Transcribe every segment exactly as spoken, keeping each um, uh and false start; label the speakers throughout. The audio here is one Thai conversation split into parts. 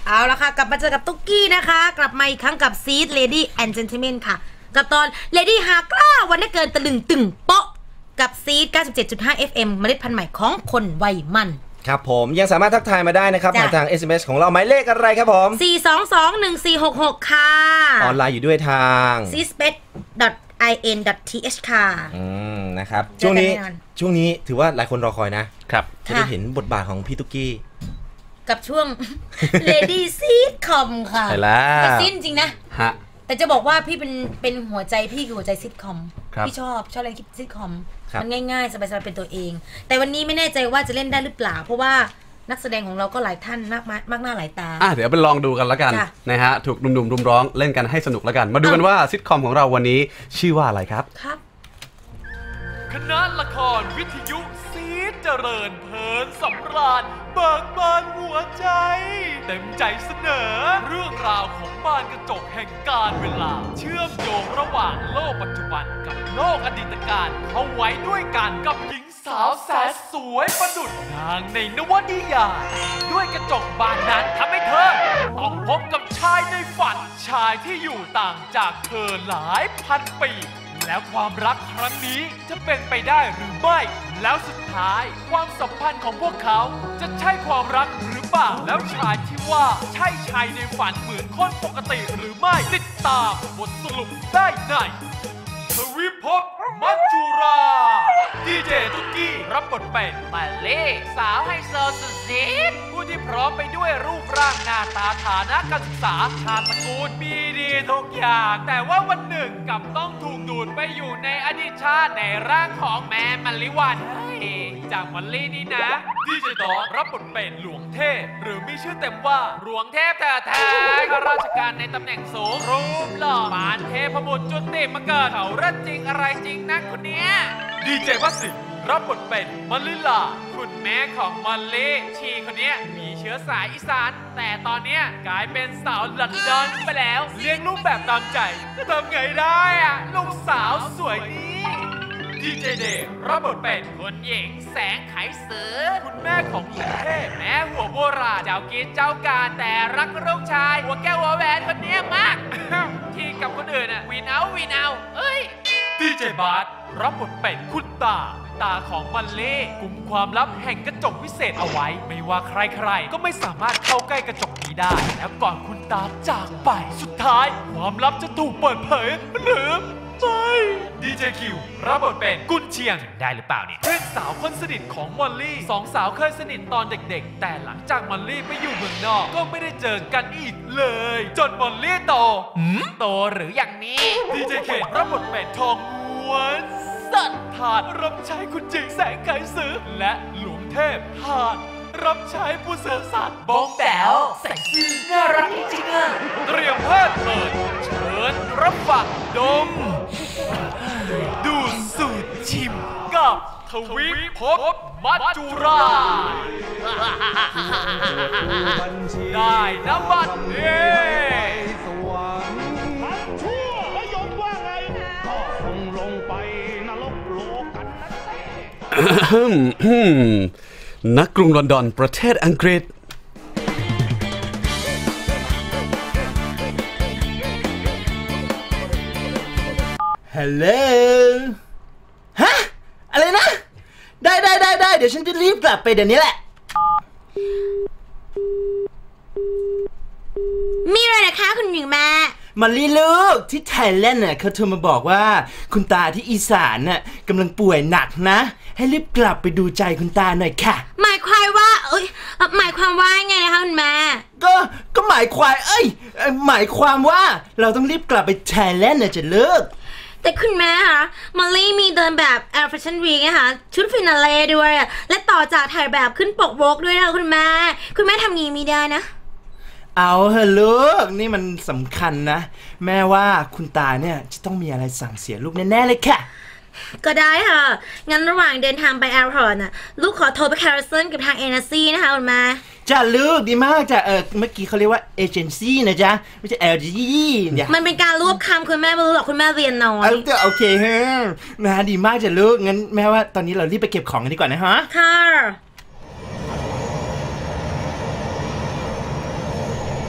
Speaker 1: เอาละค่ะกลับมาเจอกับตุ๊กกี้นะคะกลับมาอีกครั้งกับซีด Lady and Gentleman ค่ะกับตอน Lady หากล้าวันได้เกินตะลึงตึงโป๊ะกับซีด เก้าสิบเจ็ดจุดห้า เอฟ เอ็ม เมล็ดพันธุ์ใหม่ของคนวัยมัน
Speaker 2: ครับผมยังสามารถทักทายมาได้นะครับผ่านทาง เอส เอ็ม เอส ของเราหมายเลขอะไรครับผม
Speaker 1: สี่ สอง สอง หนึ่ง สี่ หก หกค่ะ
Speaker 2: ออนไลน์อยู่ด้วยทาง
Speaker 1: ซีสเปซ ไอ เอ็น ดอท ที เอช ค่ะ
Speaker 2: อืมนะครับช่วงนี้ช่วงนี้ถือว่าหลายคนรอคอยนะครับจะได้เห็นบทบาทของพี่ตุ๊กกี้
Speaker 1: กับช่วง Lady Sitcom ค่ะ
Speaker 2: ใช่แล้ว
Speaker 1: ซีดจริงนะฮะแต่จะบอกว่าพี่เป็นเป็นหัวใจพี่คือหัวใจซิทคอมพี่ชอบชอบเล่นซิทคอมมันง่ายๆสบายๆเป็นตัวเองแต่วันนี้ไม่แน่ใจว่าจะเล่นได้หรือเปล่าเพราะว่านักแสดงของเราก็หลายท่านมากมากหน้าหลายตา
Speaker 3: อ่ะเดี๋ยวไปลองดูกันแล้วกันนะฮะถูกหนุ่มๆรุมร้องเล่นกันให้สนุกแล้วกันมาดูกันว่าซิทคอมของเราวันนี้ชื่อว่าอะไรครับ
Speaker 1: ครับ
Speaker 4: คณะละครวิทยุซีดเจริญเพลินสำราญเบิกบานหัวใจเต็มใจเสนอเรื่องราวของบานกระจกแห่งกาลเวลาเชื่อมโยงระหว่างโลกปัจจุบันกับโลกอดีตการเข้าไว้ด้วยกันกับหญิงสาวแสนสวยประดุจนางในนวนิยายด้วยกระจกบานนั้นทำให้เธอต้องพบกับชายในฝันชายที่อยู่ต่างจากเธอหลายพันปีแล้วความรักครั้งนี้จะเป็นไปได้หรือไม่แล้วสุดท้ายความสัมพันธ์ของพวกเขาจะใช่ความรักหรือเปล่าแล้วชายที่ว่าใช่ชายในฝันเหมือนคนปกติหรือไม่ติดตามบทสรุปได้ในทวิภพมัจจุราดีเจตุ๊กกี้รับบทเป็นมาเล่สาวไฮโซสุดซีดผู้ที่พร้อมไปด้วยรูปร่างหน้าตาฐานะการศึกษาชาติตระกูลมีดีทุกอย่างแต่ว่าวันหนึ่งกลับต้องถูกดูดไปอยู่ในอดีตชาติในร่างของแม่มะลิวันจากมอลลี่นี่นะดีเจดอรับบทเป็นหลวงเทพหรือมีชื่อเต็มว่าหลวงเทพแท้ๆข้าราชการในตำแหน่งสูงรูปหล่อปานเทพบุตรจุติมาเกิดเขาเรื่องจริงอะไรจริงนะคนเนี้ยดีเจวัสิรับบทเป็นมะลิลาคุณแม่ของมอลลี่ชีคนนี้มีเชื้อสายอีสานแต่ตอนนี้กลายเป็นสาวลอนดอนไปแล้วเลี้ยงลูกแบบตามใจจะทำไงได้อะลูกสาวสวยนี่ดีเจเดย์รับบทเป็นคุณหญิงแสงไขสือคุณแม่ของหลวงเทพแม่หัวโบราณเจ้ากินเจ้าการแต่รักลูกชายหัวแก้วหัวแหวนคนนี้มาก ที่กับคนอื่นอะวีนเอาวีนเอาเอ้ยดีเจบาสรับบทเป็นคุณตาตาของมัลเล่กุมความลับแห่งกระจกวิเศษเอาไว้ไม่ว่าใครๆก็ไม่สามารถเข้าใกล้กระจกนี้ได้แล้วก่อนคุณตาจากไปสุดท้ายความลับจะถูกเปิดเผยหรือไม่ดีเจคิวรับบทเป็นกุนเชียงได้หรือเปล่าเนี่ยเพื่อนสาวคนสนิทของมอลลี่สองสาวเคยสนิทตอนเด็กๆแต่หลังจากมอลลี่ไปอยู่เมืองนอกก็ไม่ได้เจอกันอีกเลยจนมอลลี่โตโตหรืออย่างนี้ดีเจเครับบทเป็นทองม้วนสัตว์ถาดรับใช้คุณจิงแสงไกสือและหลวงเทพถาดรับใช้ผู้เสือสัตว์บ้องแป๋วใส่ซื่อน่ารักจริงๆอ่ะเตรียมเพลิดเพลินเชิญรับฟังดมดูสูตรชิมกับทวิภพมัจจุราได้น้ำบัตรเย่
Speaker 3: นักกรุงลอนดอนประเทศอังกฤษ
Speaker 5: ฮัลโหลฮะอะไรนะได้ได้ได้ได้เดี๋ยวฉันจะรีบกลับไปเดี๋ยวนี้แหละ
Speaker 1: มีอะไรนะคะคุณหญิงแม่
Speaker 5: มาลีลูกที่ไทยแลนด์น่ะเขาโทรมาบอกว่าคุณตาที่อีสานน่ะกำลังป่วยหนักนะให้รีบกลับไปดูใจคุณตาหน่อยค่ะ
Speaker 1: หมายความว่าเอ้ยหมายความว่าไงนะคะคุณแม่
Speaker 5: ก็ก็หมายความเอ้ยหมายความว่าเราต้องรีบกลับไปไทยแลนด์น่ะจะเลิก
Speaker 1: แต่คุณแม่คะมอลลี่มีเดินแบบแอร์แฟชั่นวีคนะคะชุดฟินาเล่ด้วยและต่อจากถ่ายแบบขึ้นปกโวกด้วยนะคุณแม่คุณแม่ทำงี้ไม่ได้นะ
Speaker 5: เอาเถอะลูกนี่มันสำคัญนะแม่ว่าคุณตาเนี่ยจะต้องมีอะไรสั่งเสียลูกแน่ๆเลยค่ะ
Speaker 1: ก็ได้ค่ะงั้นระหว่างเดินทางไปแอร์พอร์ตน่ะลูกขอโทรไปแคร์ซันกับทางเอเนซี่นะคะคุณแม่
Speaker 5: จ้าลูกดีมากจ้ะเออเมื่อกี้เขาเรียกว่าเอเจนซี่นะจ๊ะไม่ใช่ แอล จี เนี่ย
Speaker 1: มันเป็นการรวบคำคุณแม่ไม่รู้หรอกคุณแม่เรียนน้อย
Speaker 5: โอเคฮะนะดีมากจ้ะลูกงั้นแม่ว่าตอนนี้เรารีบไปเก็บของกันดีกว่านะฮะ
Speaker 1: ค่ะ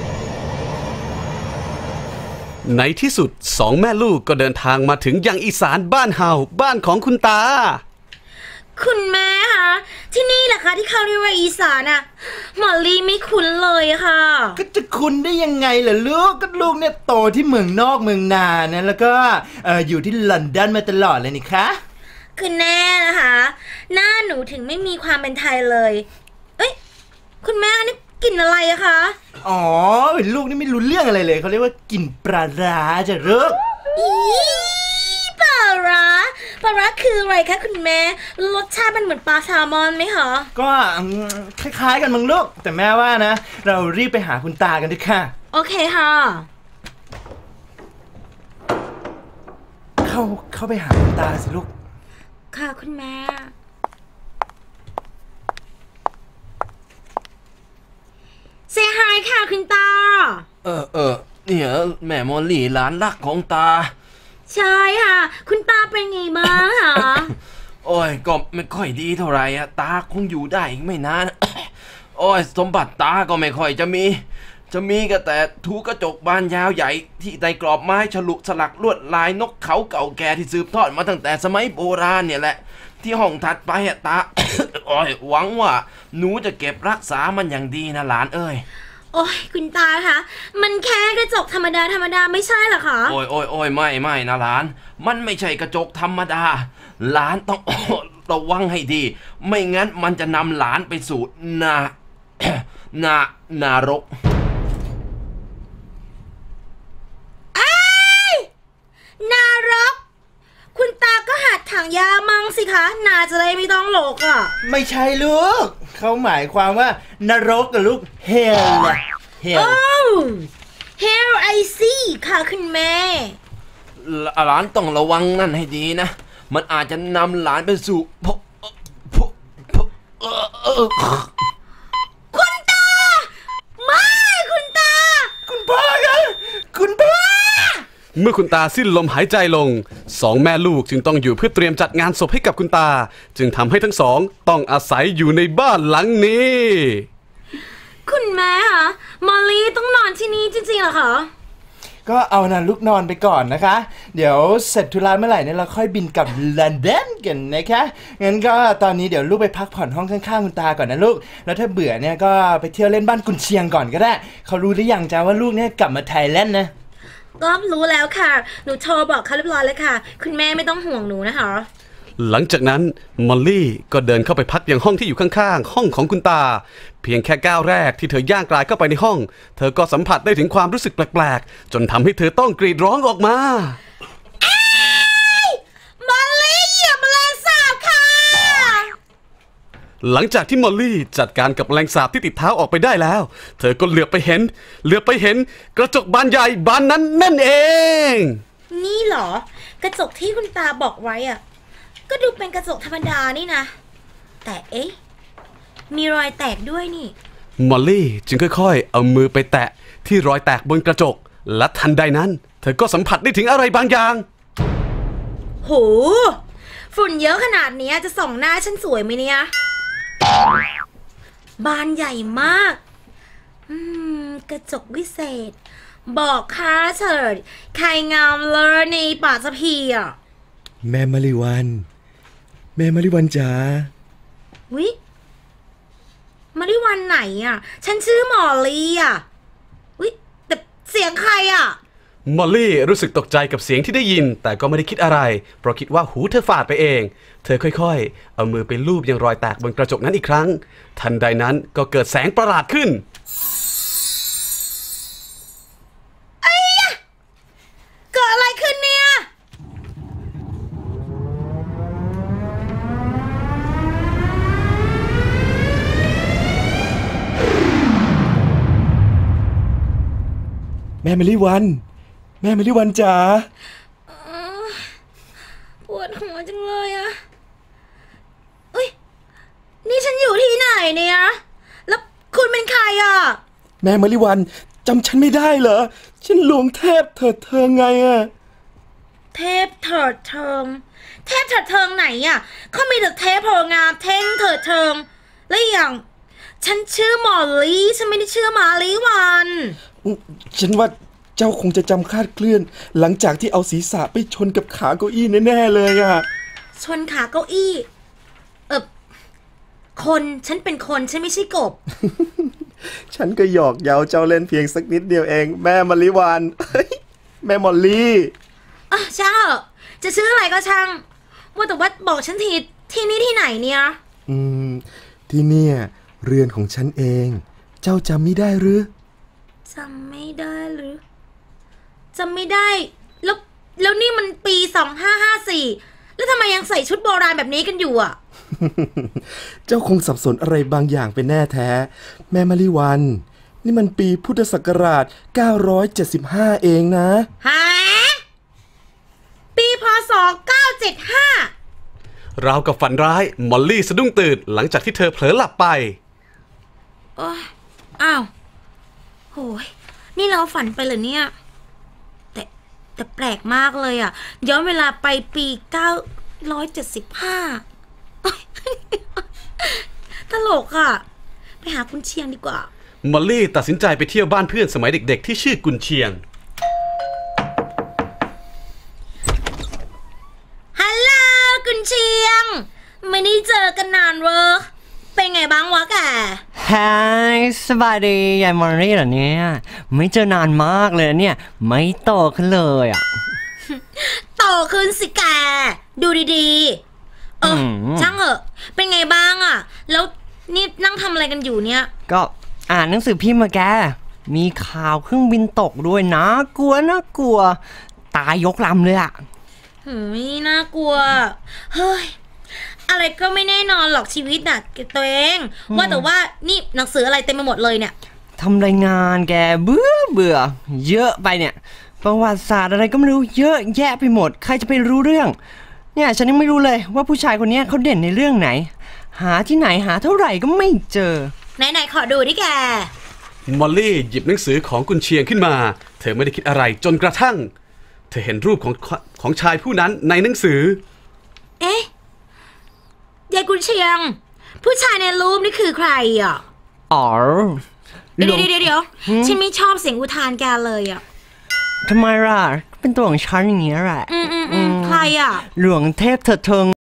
Speaker 3: ในที่สุดสองแม่ลูกก็เดินทางมาถึงยังอีสานบ้านเฮาบ้านของคุณตา
Speaker 1: คุณแม่คะที่นี่แหละคะที่เขาเรียกว่าอีสานอะหมอลีไม่คุ้นเลยค่ะ
Speaker 5: ก็จะคุ้นได้ยังไงล่ะลูกก็ลูกเนี่ยโตที่เมืองนอกเมืองนานะแล้วก็เอ่ออยู่ที่ลอนดอนมาตลอดเลยนี่คะ
Speaker 1: คือแน่นะคะหน้าหนูถึงไม่มีความเป็นไทยเลยเอ้ยคุณแม่นี่กลิ่นอะไรอะคะ
Speaker 5: อ๋อลูกนี่ไม่รู้เรื่องอะไรเลยเขาเรียกว่ากลิ่นปลาร้าจะเลิก
Speaker 1: อีปลาร้าปลาร้าคืออะไรคะคุณแม่รสชาติมันเหมือนปลาแซลมอนไหมคะ
Speaker 5: ก็คล้ายๆกันมั้งลูกแต่แม่ว่านะเรารีบไปหาคุณตากันดีค่ะ
Speaker 1: โอเคค่ะ
Speaker 5: เข้าเข้าไปหาคุณตาสิลูก
Speaker 1: ค่ะคุณแม่เซฮายค่ะคุณตา
Speaker 6: เออเออเนี่ยแม่มอลลี่หลานรักของตา
Speaker 1: ใช่ค่ะคุณตาเป็นไงบ้างคะ
Speaker 6: โอ้ยก็ไม่ค่อยดีเท่าไหร่อะตาคงอยู่ได้อีกไม่นานโอ้ยสมบัติตาก็ไม่ค่อยจะมีจะมีก็แต่ถูกระจกบานยาวใหญ่ที่ในกรอบไม้ฉลุสลักลวดลายนกเขาเก่าแก่ที่สืบทอดมาตั้งแต่สมัยโบราณเนี่ยแหละที่ห้องถัดไปอะตา โอ้ยหวังว่าหนูจะเก็บรักษามันอย่างดีนะหลานเอ้ย
Speaker 1: โอ้ยคุณตาคะมันแค่กระจกธรรมดาธรรมดาไม่ใช่หรอคะ
Speaker 6: โอ้ยโอ้ยโอ้ยไม่ไม่นะหลานมันไม่ใช่กระจกธรรมดาหลานต้องระวังให้ดีไม่งั้นมันจะนำหลานไปสู่นา นานารก
Speaker 1: นารกคุณตาก็หัดถังยามั่งสิคะนาจะได้ไม่ต้องหลกอ่ะ
Speaker 5: ไม่ใช่ลูกเขาหมายความว่านรกกับลูกเฮล
Speaker 1: เฮลโอ้เฮลไอซีค่ะคุณแม่
Speaker 6: หลานต้องระวังนั่นให้ดีนะมันอาจจะนำหลานไปสู่
Speaker 1: คุณตาไม่คุณตา
Speaker 5: คุณพ่อครับคุณพ่อ
Speaker 3: เมื่อคุณตาสิ้นลมหายใจลงสองแม่ลูกจึงต้องอยู่เพื่อเตรียมจัดงานศพให้กับคุณตาจึงทำให้ทั้งสองต้องอาศัยอยู่ในบ้านหลังนี้
Speaker 1: คุณแม่คะมอลลี่ต้องนอนที่นี่จริงๆเหรอคะ
Speaker 5: ก็เอานะลูกนอนไปก่อนนะคะเดี๋ยวเสร็จธุระเมื่อไหร่เนี่ยเราค่อยบินกลับลอนดอนกันนะคะงั้นก็ตอนนี้เดี๋ยวลูกไปพักผ่อนห้องข้างๆคุณตาก่อนนะลูกแล้วถ้าเบื่อเนี่ยก็ไปเที่ยวเล่นบ้านกุนเชียงก่อนก็ได้เขารู้หรือยังจ้าว่าลูกเนี่ยกลับมาไทยแลนด์นะ
Speaker 1: ก็รู้แล้วค่ะหนูโทรบอกเขาเรียบร้อยเลยค่ะคุณแม่ไม่ต้องห่วงหนูนะคะ
Speaker 3: หลังจากนั้นมอลลี่ก็เดินเข้าไปพักยังห้องที่อยู่ข้างๆห้องของคุณตาเพียงแค่ก้าวแรกที่เธอย่างกลายเข้าไปในห้องเธอก็สัมผัสได้ถึงความรู้สึกแปลกๆจนทำให้เธอต้องกรีดร้องออกมาม
Speaker 1: อลลี่เหยียบแมลงสาบค่ะ
Speaker 3: หลังจากที่มอลลี่จัดการกับแมลงสาบที่ติดเท้าออกไปได้แล้วเธอก็เหลือบไปเห็นเหลือบไปเห็นกระจกบานใหญ่บานนั้นนั่นเอง
Speaker 1: นี่เหรอกระจกที่คุณตาบอกไว้อะก็ดูเป็นกระจกธรรมดานี่นะแต่เอ๊ะมีรอยแตกด้วยนี่
Speaker 3: มอลลี่จึงค่อยๆเอามือไปแตะที่รอยแตกบนกระจกและทันใดนั้นเธอก็สัมผัสได้ถึงอะไรบางอย่าง
Speaker 1: โหฝุ่นเยอะขนาดนี้จะส่องหน้าฉันสวยไหมเนี่ยบานใหญ่มากอืมกระจกวิเศษบอกข้าเถิดใครงามเลยในป่าสะพีอ่ะ
Speaker 2: แม่มาริวันแม่มาริวันจ๋า
Speaker 1: วิมาริวันไหนอ่ะฉันชื่อหมอลี่อ่ะวิแต่เสียงใครอ่ะ
Speaker 3: มอลลี่รู้สึกตกใจกับเสียงที่ได้ยินแต่ก็ไม่ได้คิดอะไรเพราะคิดว่าหูเธอฝาดไปเองเธอค่อยๆเอามือไปลูบยังรอยแตกบนกระจกนั้นอีกครั้งทันใดนั้นก็เกิดแสงประหลาดขึ้น
Speaker 1: ไอ้ยะเกิดอะไรขึ้นเนี่ย
Speaker 2: แม่มาริวันแม่มาริวันจ๋า
Speaker 1: ปวดหัวจังเลยอะอุ้ยนี่ฉันอยู่ที่ไหนเนี่ยแล้วคุณเป็นใครอะ
Speaker 2: แม่มาริวันจำฉันไม่ได้เหรอฉันหลวงเทพเถิดเทิงไงอะ
Speaker 1: เทพเถิดเทิงเทพเถิดเทิงไหนอะเขามีแต่เทพโผงามเท่งเถิดเทิงและอย่างฉันชื่อหมอลี่ฉันไม่ได้ชื่อมาลีวัน
Speaker 2: ฉันว่า
Speaker 5: เจ้าคงจะจำคลาดเคลื่อนหลังจากที่เอาศีรษะไปชนกับขาเก้าอี้แน่ๆเลยอะ
Speaker 1: ชนขาเก้าอี้เออคนฉันเป็นคนฉันไม่ใช่กบ
Speaker 5: ฉันก็หยอกเย้าเจ้าเล่นเพียงสักนิดเดียวเองแม่มะลิวาน แม่มอลลี่
Speaker 1: อ่ะช่างจะชื่ออะไรก็ช่างว่าแต่ว่าบอกฉันทีที่นี่ที่ไหนเนี่ย
Speaker 5: อืมที่เนี่ยเรือนของฉันเองเจ้าจำไม่ได้หรือ
Speaker 1: จำไม่ได้หรือจำไม่ได้แล้วแล้วนี่มันปีสองห้าห้าสี่แล้วทำไมยังใส่ชุดโบราณแบบนี้กันอยู่อ่ะ
Speaker 5: เจ้าคงสับสนอะไรบางอย่างเป็นแน่แท้แม่มะลิวันนี่มันปีพุทธศักราชเก้าร้อยเจ็ดสิบห้าเองนะ
Speaker 1: ฮะปีพศเก้าเจ็ดห้
Speaker 3: าราวกับฝันร้ายมอลลี่สะดุ้งตื่นหลังจากที่เธอเผลอหลับไป
Speaker 1: โอ้ยอ้าวโหยนี่เราฝันไปเหรอเนี่ยแต่แต่แปลกมากเลยอ่ะย้อนเวลาไปปีเก้าร้อยเจ็ดสิบห้าตลกอ่ะไปหากุนเชียงดีกว่าม
Speaker 3: อลลี่ตัดสินใจไปเที่ยวบ้านเพื่อนสมัยเด็กๆที่ชื่อกุนเชียง
Speaker 1: ฮัลโหลกุนเชียงไม่ได้เจอกันนานเวอเป็นไงบ้างวะแก
Speaker 7: ฮายสบายดียายมอลลี่เหรอเนี่ยไม่เจอนานมากเลยเนี่ยไม่โตขึ้นเลยอ่ะ
Speaker 1: โตขึ้นสิแกดูดีๆเออช่างเหอะเป็นไงบ้างอ่ะแล้วนี่นั่งทำอะไรกันอยู่เนี่ย
Speaker 7: ก็อ่านหนังสือพิมพ์มาแกมีข่าวเครื่องบินตกด้วยนะกลัวน่ากลัวตายยกลำเลยอ่ะ
Speaker 1: หืมน่ากลัวเฮ้ยอะไรก็ไม่แน่นอนหรอกชีวิตน่ะตัวเองว่าแต่ว่านี่หนังสืออะไรเต็มไปหมดเลยเนี่ย
Speaker 7: ทำรายงานแกเบื่อเบื่อเยอะไปเนี่ยประวัติศาสตร์อะไรก็ไม่รู้เยอะแยะไปหมดใครจะไปรู้เรื่องเนี่ยฉันยังไม่รู้เลยว่าผู้ชายคนนี้เขาเด่นในเรื่องไหนหาที่ไหนหาเท่าไหร่ก็ไม่เจอ
Speaker 1: ไหนๆขอดูดิแก
Speaker 3: มอลลี่หยิบหนังสือของกุนเชียงขึ้นมาเธอไม่ได้คิดอะไรจนกระทั่งเธอเห็นรูปของของชายผู้นั้นในหนังสือ
Speaker 1: เอ๊ะยายกุนเชียงผู้ชายในรูปนี่คือใครอ่ะ
Speaker 7: อ๋อ
Speaker 1: เดี๋ยวเดี๋ยวเดี๋ยวฉันไม่ชอบเสียงอุทานแกเลยอ่ะ
Speaker 7: ทำไมล่ะเป็นตัวของฉันอย่างนี้แหละ
Speaker 1: อืมอืมอืมใครอ่ะ
Speaker 7: หลวงเทพเถิดเทิง